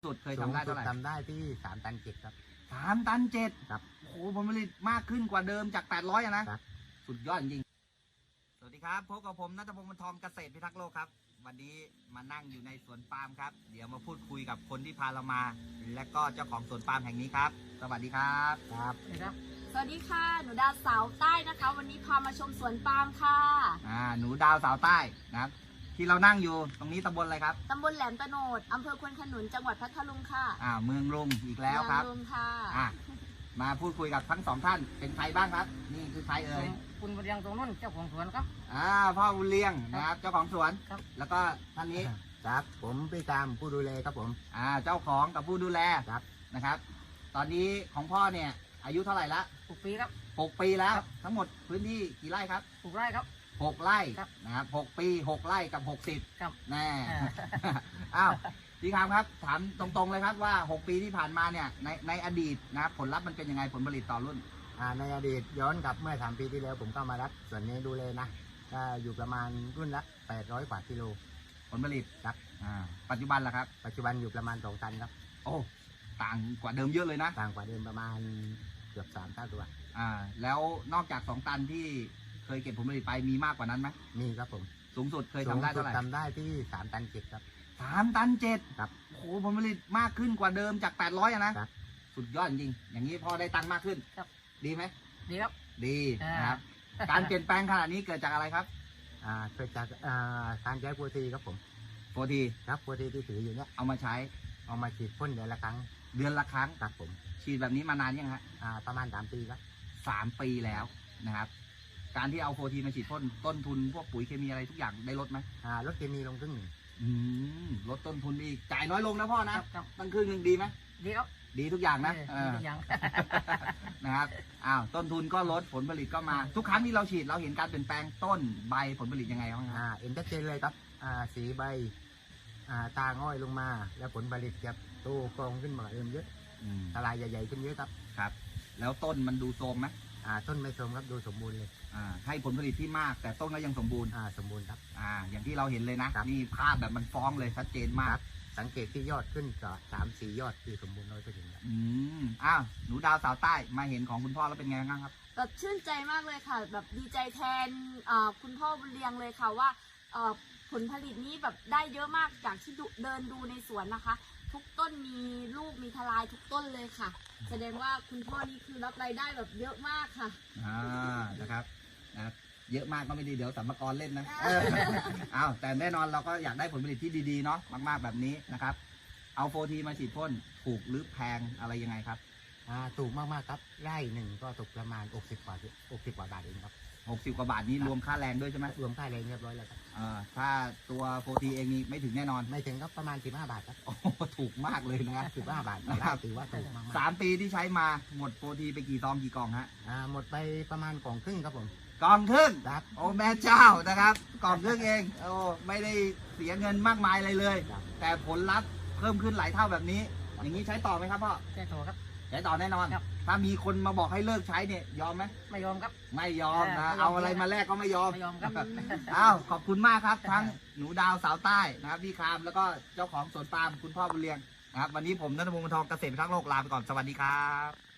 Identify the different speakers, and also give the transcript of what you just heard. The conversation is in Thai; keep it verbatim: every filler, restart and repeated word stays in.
Speaker 1: สุดเคยทำได้เท่าไหร่
Speaker 2: ทำได้ที่สามตันเจ็ดครับ
Speaker 1: สามตันเจ็ด
Speaker 2: ครับ
Speaker 1: โอ้โหผลผลิตมากขึ้นกว่าเดิมจากแปดร้อยอะนะครับ สุดยอดจริงสวัสดีครับพบกับผมณัฐพงศ์ บรรทองเกษตรพิทักษ์โลกครับวันนี้มานั่งอยู่ในสวนปาล์มครับเดี๋ยวมาพูดคุยกับคนที่พาเรามาและก็เจ้าของสวนปาล์มแห่งนี้ครับสวัสดีครับ
Speaker 2: ครับ
Speaker 3: ครับสวัสดีค่ะหนูดาวสาวใต้นะคะวันนี้พามาชมสวนปาล์มค่ะ
Speaker 1: อ่าหนูดาวสาวใต้นะครับที่เรานั่งอยู่ตรงนี้ตำบลอะไรครับ
Speaker 3: ตำบลแหลมตะโนดอำเภอควนขนุนจังหวัดพัทลุงค่ะ
Speaker 1: อ่าเมืองลุงอีกแล้วครับ
Speaker 3: เมืองลุงค่ะ
Speaker 1: อ่ามาพูดคุยกับทั้งสองท่านเป็นใครบ้างครับนี่คือใครเอ่ย
Speaker 4: คุณบุญเรียงตรงนู้นเจ้าของสวนครับ
Speaker 1: อ่าพ่อบุญเลี้ยงนะครับเจ้าของสวน
Speaker 4: ครับ
Speaker 1: แล้วก็ท่านนี้
Speaker 2: ครับผมพี่ตามผู้ดูแลครับผม
Speaker 1: อ่าเจ้าของกับผู้ดูแล
Speaker 2: ครับ
Speaker 1: นะครับ ตอนนี้ของพ่อเนี่ยอายุเท่าไหร่ละ
Speaker 4: หกปีครับ
Speaker 1: หกปีแล้ว
Speaker 4: ครับ
Speaker 1: ทั้งหมดพื้นที่กี่ไร่ครับ
Speaker 4: ปลูกไร่ครับ
Speaker 1: หกไร่
Speaker 4: ครับ
Speaker 1: นะครับหกปีหกไร่กับหกสิบ
Speaker 4: ครับ
Speaker 1: แน่
Speaker 4: อ่า
Speaker 1: อ้าวพี่คามครับถามตรงๆเลยครับว่าหกปีที่ผ่านมาเนี่ยในในอดีตนะครับผลลัพธ์มันเป็นยังไงผลผลิตต่อรุ่น
Speaker 2: อ่าในอดีตย้อนกลับเมื่อสามปีที่แล้วผมก็มารับส่วนนี้ดูแลนะก็อยู่ประมาณรุ่นละแปดร้อยกว่ากิโล
Speaker 1: ผลผลิต
Speaker 2: ครับ
Speaker 1: อ่าปัจจุบันล่ะครับ
Speaker 2: ปัจจุบันอยู่ประมาณสองตันครับ
Speaker 1: โอ้ต่างกว่าเดิมเยอะเลยนะ
Speaker 2: ต่างกว่าเดิมประมาณเกือบสามเท่าตัว
Speaker 1: อ่าแล้วนอกจากสองตันที่เคยเก็บผลผลิตไปมีมากกว่านั้นไหม
Speaker 2: มีครับผม
Speaker 1: สูงสุดเคยทำได้เท่าไหร่
Speaker 2: ทำได้ที่สามตันเจ็ดครับ
Speaker 1: สามตันเจ็ด
Speaker 2: ครับ
Speaker 1: โอ้โหผลผลิตมากขึ้นกว่าเดิมจากแปดร้อยอะนะครับ สุดยอดจริงอย่างนี้พอได้ตังค์มากขึ้น
Speaker 4: ครับ
Speaker 1: ดีไหม
Speaker 4: ดีครับ
Speaker 1: ดี
Speaker 4: อ่าน
Speaker 1: นะครับ การเปลี่ยนแปลงขนาดนี้เกิดจากอะไรครับ
Speaker 2: อ่าเกิดจากอ่าการใช้โปรตีครับผม
Speaker 1: โฟที
Speaker 2: ครับโปรตีที่ถืออยู่เนี้ย
Speaker 1: เอามาใช้
Speaker 2: เอามาฉีดพ่นเดือนละครั้ง
Speaker 1: เดือนละครั้ง
Speaker 2: ครับผม
Speaker 1: ฉีดแบบนี้มานานยังฮะ
Speaker 2: อ่าประมาณสามปีครับ
Speaker 1: สามปีแล้วนะครับ การที่เอาโฟทีมาฉีดพ่นต้นทุนพวกปุ๋ยเคมีอะไรทุกอย่างได้ลดไหม
Speaker 2: อ่าลดเคมีลงครึ่งหนึ่ง
Speaker 1: อืมลดต้นทุนอีกจ่ายน้อยลงนะพ่อนะ
Speaker 4: ครับ
Speaker 1: ตั้งครึ่งหนึ่งดีไหม
Speaker 4: ดีครับ
Speaker 1: ดีทุกอย่างนะ
Speaker 4: เออดีทุกอย่าง
Speaker 1: นะครับอ้าวต้นทุนก็ลดผลผลิตก็มา ทุกครั้งที่เราฉีดเราเห็นการเปลี่ยนแปลงต้นใบผลผลิตยังไงบ้างครับ
Speaker 2: อ่าเอ็นชัดเจนเลยครับอ่าสีใบอ่าตาง่อยลงมาแล้วผลผลิตจะโตกองขึ้นมาเอิ่มเยอะ
Speaker 1: อืม
Speaker 2: ทลายใหญ่ๆขึ้นเยอะครับ
Speaker 1: ครับ แล้วต้นมันดูโทรมไหม
Speaker 2: อ่าต้นไม่โทรมครับดูสมบูรณ์เลย
Speaker 1: อ่าให้ผลผลิตที่มากแต่ต้นก็ยังสมบูรณ์
Speaker 2: อ่าสมบูรณ์ครับ
Speaker 1: อ่าอย่างที่เราเห็นเลยนะครับ นี่ภาพแบบมันฟ้องเลยชัดเจนมาก
Speaker 2: สังเกตที่ยอดขึ้นก็สามสี่ยอดคือสมบูรณ์ร้อยเปอร์เซ็นต์ครับ
Speaker 1: อืมอ้าวหนูดาวสาวใต้มาเห็นของคุณพ่อแล้วเป็นไงบ้างครับ
Speaker 3: แบบชื่นใจมากเลยค่ะ แบบดีใจแทนอ่าคุณพ่อบุญเรียงเลยค่ะว่าอ่าผลผลิตนี้แบบได้เยอะมากจากที่ดูเดินดูในสวนนะคะ ทุกต้นมีลูกมีทลายทุกต้นเลยค่ะ แสดงว่าคุณพ่อนี่คือรับรายได้แบบเยอะมากค่ะ
Speaker 1: อ่านะครับนะครับเยอะมากก็ไม่ดีเดี๋ยวสัมภาระเล่นนะอ้าวแต่แน่นอนเราก็อยากได้ผลผลิตที่ดีๆเนาะมากๆแบบนี้นะครับเอาโฟทีมาฉีดพ่นถูกหรือแพงอะไรยังไงครับ
Speaker 2: อ่าถูกมากๆครับไร่หนึ่งก็ตกประมาณหกสิบกว่าหกสิบกว่าบาทเองครับ
Speaker 1: หกสิบกว่าบาทนี้รวมค่าแรงด้วยใช่ไหม
Speaker 2: รวมค่าแรงเรียบร้อยแล้วครับ
Speaker 1: อ่าถ้าตัวโฟทีเองนี่ไม่ถึงแน่นอน
Speaker 2: ไม่ถึงก็ประมาณสิบห้าบาทครับ
Speaker 1: โอ้ถูกมากเลยนะครับ
Speaker 2: สิบห้าบาทนะครับถือว่าถูกมาก
Speaker 1: สามปีที่ใช้มาหมดโฟทีไปกี่ซองกี่กล่องฮะ
Speaker 2: อ่าหมดไปประมาณกล่องครึ่งครับผม
Speaker 1: กล่องครึ่ง
Speaker 2: ครับ
Speaker 1: โอ้แม่เจ้านะครับกล่องครึ่งเองโอ้ไม่ได้เสียเงินมากมายอะไรเลยแต่ผลลัพธ์เพิ่มขึ้นหลายเท่าแบบนี้อย่างนี้ใช้ต่อไหมครับพ่อ
Speaker 4: ใช่โถครับ
Speaker 1: ใช้ต่อแน่นอนถ้ามีคนมาบอกให้เลิกใช้เนี่ยยอมไหม
Speaker 4: ไม่ยอมครับ
Speaker 1: ไม่ยอมนะเอาอะไรมาแลกก็ไม่ยอม
Speaker 4: ไม่ยอมครับ
Speaker 1: อ้าวขอบคุณมากครับทั้งหนูดาวสาวใต้นะครับพี่คามแล้วก็เจ้าของสวนปาล์มคุณพ่อบุญเรียงนะครับวันนี้ผมณัฐพงศ์ บรรทองเกษตรพิทักษ์โลกลาไปก่อนสวัสดีครับ